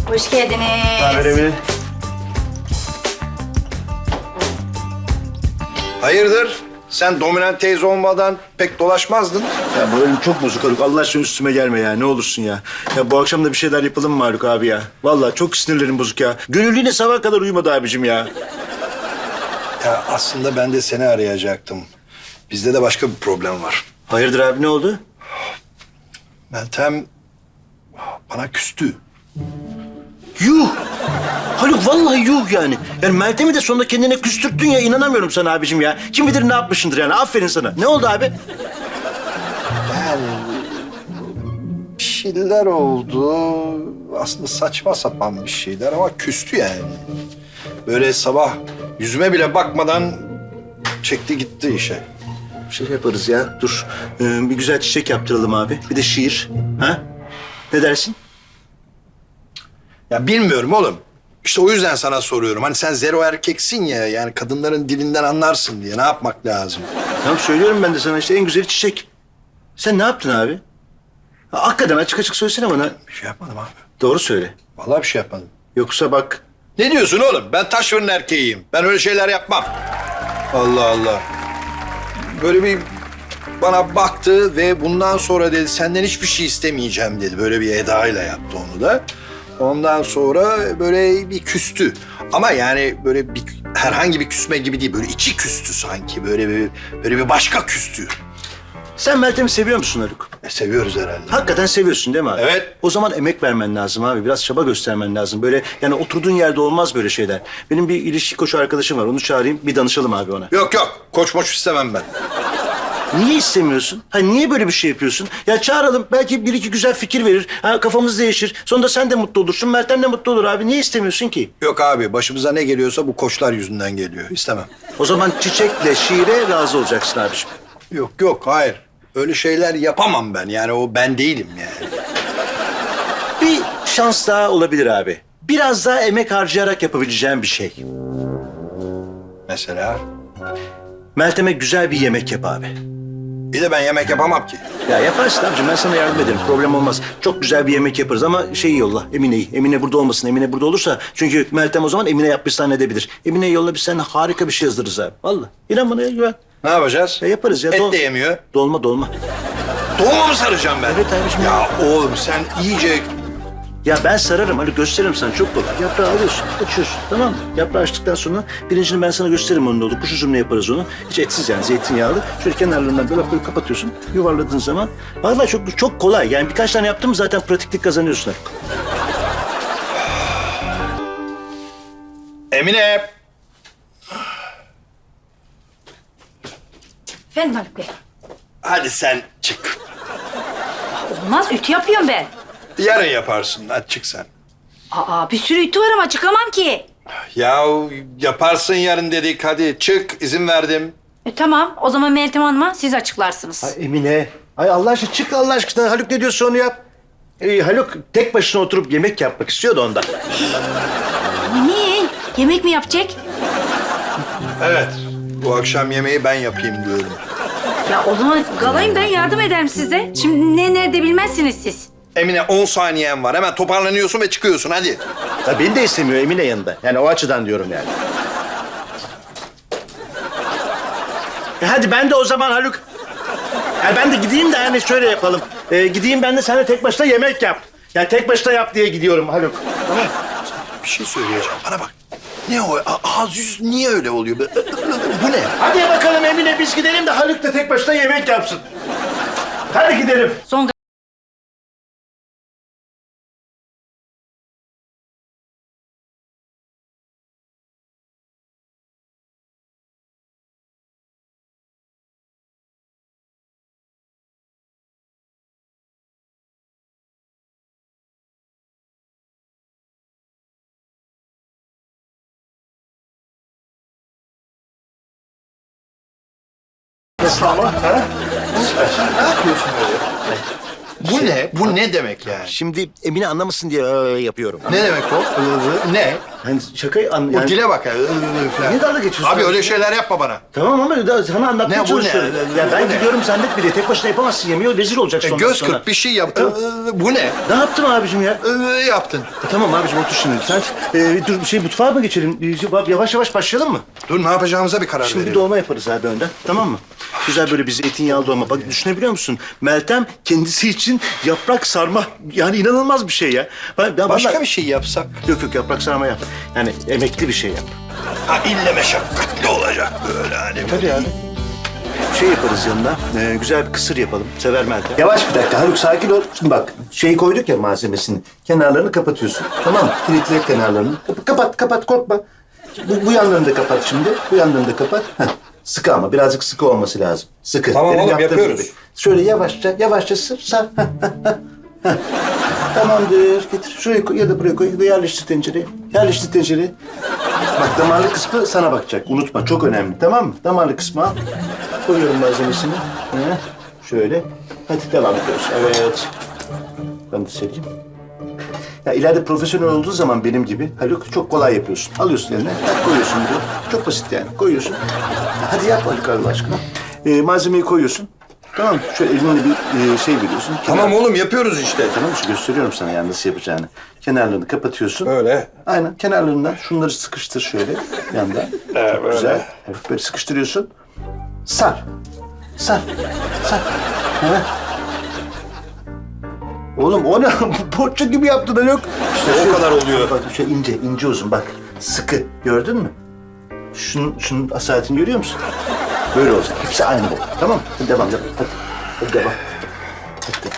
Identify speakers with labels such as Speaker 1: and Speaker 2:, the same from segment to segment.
Speaker 1: Hoş geldiniz.
Speaker 2: Haber Emine.
Speaker 3: Hayırdır? Sen dominant teyze olmadan pek dolaşmazdın.
Speaker 2: Ya bu elim çok bozuk Haluk. Allah aşkına üstüme gelme ya. Ne olursun ya. Ya bu akşam da bir şeyler yapalım mı Haluk abi ya? Vallahi çok sinirlerim bozuk ya. Gönül yine sabah kadar uyumadı abicim ya.
Speaker 3: Ya aslında ben de seni arayacaktım. Bizde de başka bir problem var.
Speaker 2: Hayırdır abi, ne oldu?
Speaker 3: Meltem bana küstü.
Speaker 2: Yuh! Haluk vallahi yuh yani. Yani Meltem'i de sonunda kendine küstürttün ya. İnanamıyorum sana abicim ya. Kim bilir ne yapmışsındır yani. Aferin sana. Ne oldu abi?
Speaker 3: Yani bir şeyler oldu. Aslında saçma sapan bir şeyler ama küstü yani. Böyle sabah yüzüme bile bakmadan çekti gitti işe.
Speaker 2: Bir şey yaparız ya. Dur. Bir güzel çiçek yaptıralım abi. Bir de şiir. Ha? Ne dersin?
Speaker 3: Ya bilmiyorum oğlum. İşte o yüzden sana soruyorum. Hani sen zero erkeksin ya. Yani kadınların dilinden anlarsın diye. Ne yapmak lazım?
Speaker 2: Tamam söylüyorum ben de sana işte en güzeli çiçek. Sen ne yaptın abi? Ha, hakikaten açık açık söylesene bana.
Speaker 3: Bir şey yapmadım abi.
Speaker 2: Doğru söyle.
Speaker 3: Vallahi bir şey yapmadım.
Speaker 2: Yoksa bak.
Speaker 3: Ne diyorsun oğlum? Ben taş fırın erkeğiyim. Ben öyle şeyler yapmam. Allah Allah. Böyle bir bana baktı ve bundan sonra dedi senden hiçbir şey istemeyeceğim dedi. Böyle bir edayla yaptı onu da. Ondan sonra böyle bir küstü. Ama yani böyle bir herhangi bir küsme gibi değil. Böyle içi küstü sanki. Böyle bir başka küstü.
Speaker 2: Sen Meltem'i seviyor musun Haluk?
Speaker 3: Seviyoruz herhalde.
Speaker 2: Hakikaten seviyorsun değil mi abi?
Speaker 3: Evet.
Speaker 2: O zaman emek vermen lazım abi. Biraz çaba göstermen lazım. Böyle yani oturduğun yerde olmaz böyle şeyler. Benim bir ilişki koçu arkadaşım var. Onu çağırayım. Bir danışalım abi ona.
Speaker 3: Yok yok. Koç moç istemem ben.
Speaker 2: Niye istemiyorsun? Ha niye böyle bir şey yapıyorsun? Ya çağıralım. Belki bir iki güzel fikir verir. Ha kafamız değişir. Sonunda sen de mutlu olursun. Meltem de mutlu olur abi. Niye istemiyorsun ki?
Speaker 3: Yok abi. Başımıza ne geliyorsa bu koçlar yüzünden geliyor. İstemem.
Speaker 2: O zaman çiçekle şiire razı olacaksın abiciğim.
Speaker 3: Yok yok. Hayır. Öyle şeyler yapamam ben. Yani o ben değilim yani.
Speaker 2: Bir şans daha olabilir abi. Biraz daha emek harcayarak yapabileceğim bir şey.
Speaker 3: Mesela.
Speaker 2: Meltem'e güzel bir yemek yap abi.
Speaker 3: Bir de ben yemek yapamam ki.
Speaker 2: Ya yaparsın abicim, ben sana yardım ederim. Problem olmaz. Çok güzel bir yemek yaparız ama şeyi yolla, Emine'yi. Emine burada olmasın. Emine burada olursa çünkü Meltem o zaman Emine yapmış zannedebilir. Emine'yi yolla, biz seninle harika bir şey yazdırırız abi. Vallahi. İnan bana ya, güven.
Speaker 3: Ne yapacağız?
Speaker 2: Ya yaparız ya.
Speaker 3: Et de yemiyor.
Speaker 2: Dolma.
Speaker 3: Dolma mı saracağım ben?
Speaker 2: Evet abiciğim.
Speaker 3: Ya oğlum sen iyice...
Speaker 2: Ya ben sararım, hadi gösteririm sana, çok kolay. Yaprağı alıyorsun, açıyorsun, tamam mı? Yaprağı açtıktan sonra pirincini ben sana gösteririm onun ne olur. Kuş üzümle yaparız onu. Hiç etsiz yani, zeytinyağlı. Şöyle kenarlarından böyle kapatıyorsun, yuvarladığın zaman. Vallahi çok kolay. Yani birkaç tane yaptın mı zaten pratiklik kazanıyorsun.
Speaker 3: Emine.
Speaker 1: Efendim Haluk Bey.
Speaker 3: Hadi sen çık.
Speaker 1: Olmaz, ütü yapıyorum ben.
Speaker 3: Yarın yaparsın. Hadi çık sen.
Speaker 1: Aa, bir sürü ütü var ama çıkamam ki.
Speaker 3: Ya yaparsın yarın dedik. Hadi çık. İzin verdim.
Speaker 1: Tamam, o zaman Meltem Hanım'a siz açıklarsınız.
Speaker 2: Ay Emine, ay Allah aşkına çık Allah aşkına. Haluk ne diyorsa onu yap. Haluk tek başına oturup yemek yapmak istiyordu ondan.
Speaker 1: Niye? Yemek mi yapacak?
Speaker 3: Evet. Bu akşam yemeği ben yapayım diyorum.
Speaker 1: Ya o zaman galayım, ben yardım ederim size. Şimdi ne nerede bilmezsiniz siz.
Speaker 3: Emine 10 saniyen var. Hemen toparlanıyorsun ve çıkıyorsun. Hadi.
Speaker 2: Ya beni de istemiyor Emine yanında. Yani o açıdan diyorum yani. Hadi ben de o zaman Haluk. Ya ben de gideyim de yani şöyle yapalım. Gideyim ben de sen de tek başına yemek yap. Yani tek başına yap diye gidiyorum Haluk. Tamam.
Speaker 3: Bir şey söyleyeceğim. Bana bak. Ne o? Ağız yüz niye öyle oluyor? Bu ne?
Speaker 2: Hadi bakalım Emine biz gidelim de Haluk da tek başına yemek yapsın. Hadi gidelim.
Speaker 1: Son
Speaker 3: Nasıl ama? Ha? Ne yapıyorsun böyle? Bu ne? Bu ne demek yani?
Speaker 2: Şimdi Emine anlamasın diye yapıyorum.
Speaker 3: Ne demek o? Ne?
Speaker 2: Hani şakayı
Speaker 3: O
Speaker 2: yani...
Speaker 3: dile bak ya.
Speaker 2: Niye dalga geçiyorsun?
Speaker 3: Abi öyle şeyler yapma bana.
Speaker 2: Tamam ama sana anlatmaya
Speaker 3: Ne bu,
Speaker 2: çalışıyorum.
Speaker 3: ne?
Speaker 2: Ya ben
Speaker 3: Bu ne?
Speaker 2: gidiyorum zannet bile. Tek başına yapamazsın yemeği. Rezil olacaksın ondan
Speaker 3: Göz
Speaker 2: sonra.
Speaker 3: kırp bir şey yap.
Speaker 2: Tamam.
Speaker 3: Bu ne?
Speaker 2: Ne yaptım abicim ya?
Speaker 3: Yaptın.
Speaker 2: Tamam abicim otur şimdi. Sen dur mutfağa mı geçelim? Yavaş yavaş başlayalım mı?
Speaker 3: Dur ne yapacağımıza bir karar
Speaker 2: Şimdi bir
Speaker 3: verelim.
Speaker 2: dolma yaparız abi önden. Tamam mı? Güzel böyle bir zeytinyağlı dolma. Bak düşünebiliyor musun? Meltem kendisi için yaprak sarma. Yani inanılmaz bir şey ya. Ben
Speaker 3: Başka
Speaker 2: vallahi-
Speaker 3: bir şey yapsak.
Speaker 2: Yok yaprak sarma yap. Yani emekli bir şey yap.
Speaker 3: Ha ille meşakkatli olacak böyle hani.
Speaker 2: Tabii abi. Şey yaparız yanına, güzel bir kısır yapalım. Sever Meltem. Yavaş bir dakika Haluk sakin ol. Şimdi bak şeyi koyduk ya malzemesini. Kenarlarını kapatıyorsun. Tamam mı? Kilitle kenarlarını. Kapat korkma. Bu yanlarını da kapat şimdi. Bu yanlarını da kapat. Heh. Sıkı ama birazcık sıkı olması lazım. Sıkı.
Speaker 3: Tamam
Speaker 2: Benim
Speaker 3: oğlum,
Speaker 2: yaptığım
Speaker 3: yapıyoruz.
Speaker 2: gibi. Şöyle yavaşça sar. Heh. Tamamdır. Getir. Şuraya koy ya da buraya koy. Ya da yerleştir tencereye. Bak damarlı kısmı sana bakacak. Unutma çok önemli tamam mı? Damarlı kısmı al. Koyuyorum malzemesini. Şöyle. Hadi devam ediyoruz. Evet. Ben de sereyim. Ya ileride profesyonel olduğu zaman benim gibi Haluk çok kolay yapıyorsun. Alıyorsun eline, koyuyorsun buraya. Çok basit yani. Koyuyorsun. Hadi yap Haluk Allah aşkına. Malzemeyi koyuyorsun. Tamam mı? Şöyle elinle bir şey veriyorsun.
Speaker 3: Tamam oğlum yapıyoruz işte.
Speaker 2: Tamam işte gösteriyorum sana yani nasıl yapacağını. Kenarlarını kapatıyorsun.
Speaker 3: Öyle.
Speaker 2: Aynen kenarlarından şunları sıkıştır şöyle yandan. Çok
Speaker 3: böyle.
Speaker 2: güzel. Evet, böyle sıkıştırıyorsun. Sar. Evet. Oğlum o ne? Poğaça gibi yaptın da yok. İşte
Speaker 3: O kadar oluyor.
Speaker 2: Bak şey ince uzun bak. Sıkı. Gördün mü? Şunun asaletini görüyor musun? Böyle olacak. Hepsi aynı bu. Tamam mı? Hadi devam. Hadi devam. Hadi.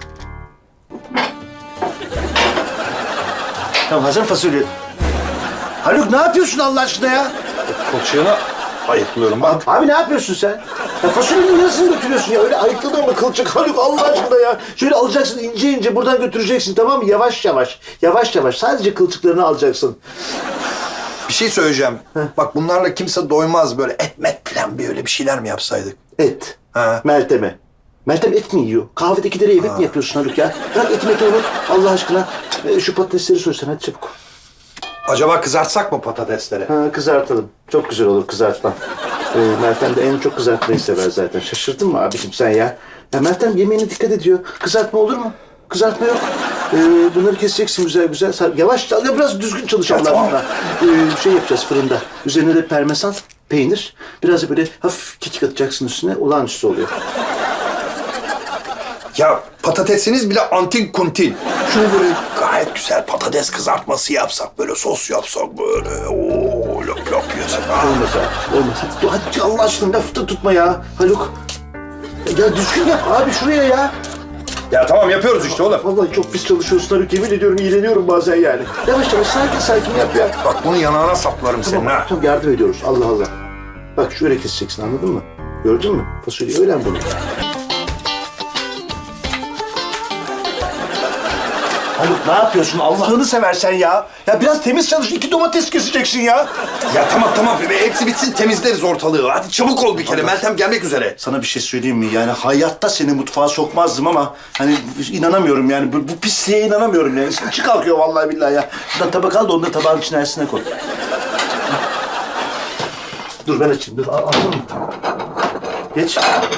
Speaker 2: Tamam hazır fasulye. Haluk ne yapıyorsun Allah aşkına ya?
Speaker 3: Kılçığını ayıklıyorum bak.
Speaker 2: Abi ne yapıyorsun sen? Ya fasulyenin yarısını götürüyorsun ya. Öyle ayıkladın mı kılçık Haluk Allah aşkına ya. Şöyle alacaksın ince buradan götüreceksin tamam mı? Yavaş yavaş. Sadece kılçıklarını alacaksın.
Speaker 3: Bir şey söyleyeceğim. Bak bunlarla kimse doymaz böyle et falan böyle bir şeyler mi yapsaydık?
Speaker 2: Et.
Speaker 3: Ha.
Speaker 2: Meltem'e. Meltem et mi yiyor? Kahvedekilere yemek mi yapıyorsun Haluk ya? Bırak eti unut Allah aşkına. Şu patatesleri soysan hadi çabuk.
Speaker 3: Acaba kızartsak mı patatesleri?
Speaker 2: Ha, kızartalım. Çok güzel olur kızartma. Meltem de en çok kızartmayı sever zaten. Şaşırdın mı abicim sen ya? Ya Meltem yemeğine dikkat ediyor. Kızartma olur mu? Kızartma yok. Bunları keseceksin güzel. Yavaş ya biraz düzgün çalış Allah
Speaker 3: tamam.
Speaker 2: aşkına. Şey yapacağız fırında. Üzerine de parmesan, peynir. Biraz da böyle hafif kekik atacaksın üstüne. Olağanüstü oluyor.
Speaker 3: Ya patatesiniz bile antin kuntin. Şunu böyle gayet güzel patates kızartması yapsak, böyle sos yapsak böyle. Oo, lop lop yiyorsak. Ha.
Speaker 2: Olmaz abi. Olmaz. Hadi Allah aşkına lafı da tutma ya Haluk. Ya düzgün yap abi şuraya ya.
Speaker 3: Ya tamam yapıyoruz işte oğlum.
Speaker 2: Vallahi çok pis çalışıyorsun Haluk. Yemin ediyorum iğreniyorum bazen yani. Yavaş sakin yap ya.
Speaker 3: Bak bunu yanağına saplarım senin ha.
Speaker 2: Tamam yardım ediyoruz Allah Allah. Bak şöyle keseceksin anladın mı? Gördün mü? Fasulye öğren bunu. Haluk ne yapıyorsun? Allah'ını seversen ya. Ya biraz temiz çalış. 2 domates keseceksin ya.
Speaker 3: Ya tamam hepsi bitsin temizleriz ortalığı. Hadi çabuk ol bir kere. Meltem gelmek üzere.
Speaker 2: Sana bir şey söyleyeyim mi? Yani hayatta seni mutfağa sokmazdım ama hani inanamıyorum yani. Bu pisliğe inanamıyorum yani. İçi kalkıyor vallahi billahi ya. Şuradan tabak al da onu da tabağın içine koy. Dur ben açayım. Dur al mı? Geç.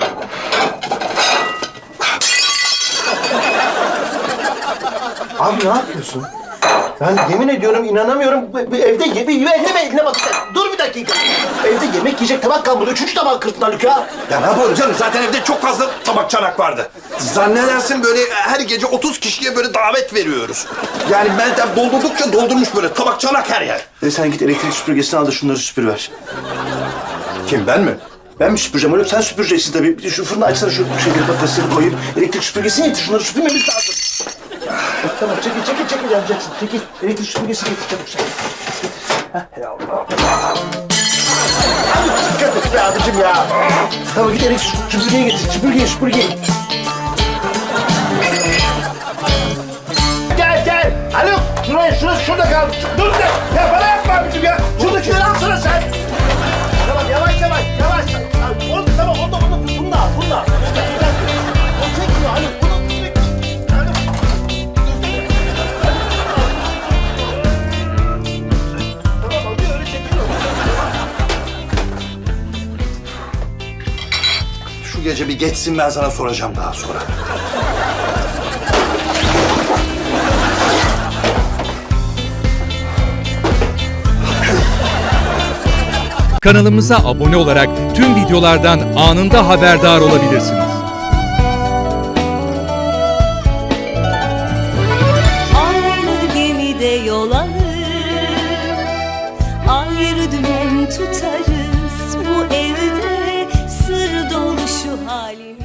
Speaker 2: Abi ne yapıyorsun? Ben yemin ediyorum inanamıyorum. Bu evde eline bak. Dur bir dakika. Evde yemek yiyecek tabak kalmadı. 3. tabak kırptın Haluk ya.
Speaker 3: Ya ne yapalım canım? Zaten evde çok fazla tabak çanak vardı. Zannedersin böyle her gece 30 kişiye böyle davet veriyoruz. Yani Meltem doldurdukça doldurmuş böyle tabak çanak her yer.
Speaker 2: Sen git elektrik süpürgesini al da şunları süpürüver.
Speaker 3: Kim ben mi?
Speaker 2: Ben mi süpüreceğim Haluk? Sen süpüreceksin tabii. Şu fırını açsana şu şeyleri patatesleri koyayım. Elektrik süpürgesini getir. Şunları süpürmemiz lazım. Tamam çekil yapacaksın. Çekil. Elektrik süpürgesi getir çabuk sen. Hay Allah. Abi dikkat et be abicim ya. Tamam git elektrik süpürgeyi getir. Süpürgeyi. Gel. Haluk şurada kal. Dur de. Ya bana yapma abicim ya. Şuradakileri alsana sen. Tamam yavaş. Tamam onu da al. O çekmiyor Haluk.
Speaker 3: gece bir geçsin, ben sana soracağım daha sonra.
Speaker 4: Kanalımıza abone olarak tüm videolardan anında haberdar olabilirsiniz.
Speaker 5: Aynı gemide yol alır, ayrı dümen tutarız. Bu evde sır dolu şu halimiz.